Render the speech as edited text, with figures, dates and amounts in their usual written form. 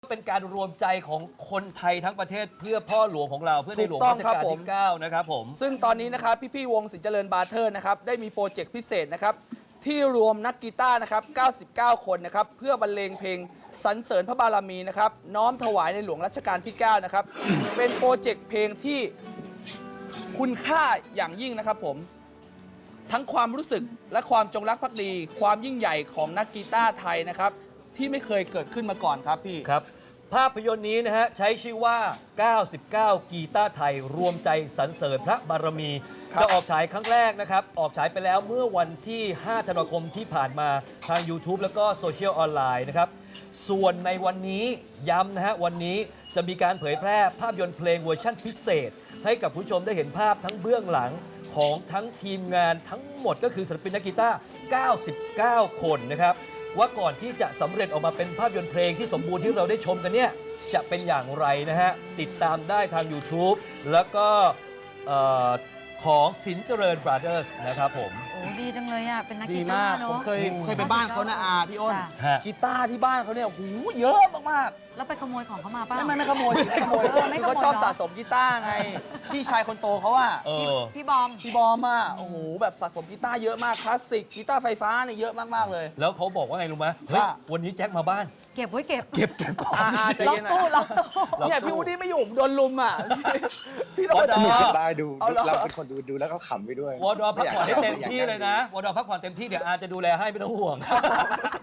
เป็นการรวมใจของคนไทยทั้งประเทศเพื่อพ่อหลวงของเราเพื่อในหลวงรัชกาลที่9นะครับผมซึ่งตอนนี้นะครับพี่ๆวงศิลป์เจริญบาเทอร์นะครับได้มีโปรเจกต์พิเศษนะครับที่รวมนักกีตาร์นะครับ99 คนนะครับเพื่อบรรเลงเพลงสรรเสริญพระบารมีนะครับน้อมถวายในหลวงรัชกาลที่9นะครับเป็นโปรเจกต์เพลงที่คุณค่าอย่างยิ่งนะครับผมทั้งความรู้สึกและความจงรักภักดี ความยิ่งใหญ่ของนักกีตาร์ไทยนะครับที่ไม่เคยเกิดขึ้นมาก่อนครับพี่ครับภาพยนตร์นี้นะฮะใช้ชื่อว่า 99 กีตาร์ไทยรวมใจสรรเสริญพระบารมีจะออกฉายครั้งแรกนะครับออกฉายไปแล้วเมื่อวันที่ 5 ธันวาคมที่ผ่านมาทาง YouTube แล้วก็โซเชียลออนไลน์นะครับส่วนในวันนี้ย้ำนะฮะวันนี้จะมีการเผยแพร่ภาพยนตร์เพลงเวอร์ชั่นพิเศษ ให้กับผู้ชมได้เห็นภาพทั้งเบื้องหลังของทั้งทีมงานทั้งหมดก็คือศิลปินนักกีตาร์ 99 คนนะครับว่าก่อนที่จะสำเร็จออกมาเป็นภาพยนตร์เพลงที่สมบูรณ์ที่เราได้ชมกันเนี่ยจะเป็นอย่างไรนะฮะติดตามได้ทาง YouTube แล้วก็ของสินเจริญบราเธอร์สนะครับผมโอ้ดีจังเลยอ่ะเป็นนักดีกีมาตาก ร์ผเนาะมเคยไปบ้านเขานะอาพี่อ้นจ้ะกีตาร์ที่บ้านเขาเนี่ยหูเยอะมากแล้วไปขโมยของเขามาป่ะๆไม่ขโมยไม่ขโมยไม่ขโมยเขาชอบเหรอสะสมกีตาร์ไง พี่ชายคนโตเขาอะพี่บอมพี่บอมอะโอ้โหแบบสะสมกีตาร์เยอะมากคลาสสิกกีตาร์ไฟฟ้าเนี่ยเยอะมากๆเลยแล้วเขาบอกว่าไงรู้ไหมเฮ้ยว่าวันนี้แจ็คมาบ้านเก็บไว้เก็บเก็บของอาใจล็อกเย็นนะตู้ล็อกตู้เนี่ยพี่วูดดี้ไม่อยู่ผมโดนลุมอะพี่โดนสนุกด่าจะได้ดูเอาเหรอเราเป็นคนดูแล้วก็ขำไปด้วยวอร์ดอพักผ่อนให้เต็มที่เลยนะวอร์ดอพักผ่อนเต็มที่เดี๋ยวอาจะดูแลให้ไม่ต้องห่วง